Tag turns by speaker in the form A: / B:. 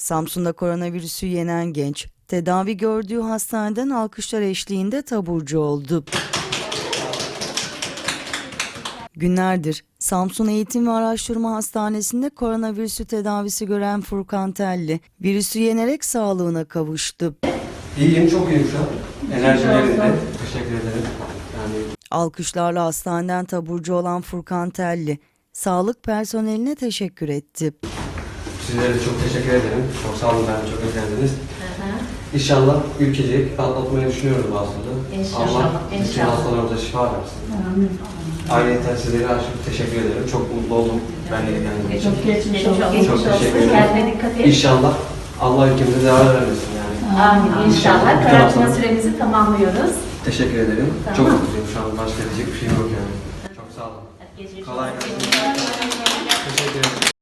A: Samsun'da koronavirüsü yenen genç, tedavi gördüğü hastaneden alkışlar eşliğinde taburcu oldu. Günlerdir Samsun Eğitim ve Araştırma Hastanesi'nde koronavirüsü tedavisi gören Furkan Telli, virüsü yenerek sağlığına kavuştu.
B: İyiyim, çok iyiyim şu an. Enerjim yerinde. Teşekkür ederim.
A: Alkışlarla hastaneden taburcu olan Furkan Telli, sağlık personeline teşekkür etti.
B: Sizlere de çok teşekkür ederim. Çok sağ olun, beni çok özlendiniz. İnşallah ülkecek atlatmayı düşünüyorum bu hastalığı. Allah bütün hastalarımıza şifa versin. Ayrıca sizlere aşık teşekkür ederim. Çok mutlu oldum. Ben de geldiğim için. Çok teşekkür ederim. İnşallah Allah ülkemize zarar vermesin yani.
C: Amin. İnşallah. Karantina süremizi tamamlıyoruz.
B: Teşekkür ederim.
C: Tamam.
B: Çok mutluyum şu an. Başka diyecek bir şey yok yani. Çok sağ olun. Kolay gelsin. Teşekkür ederim.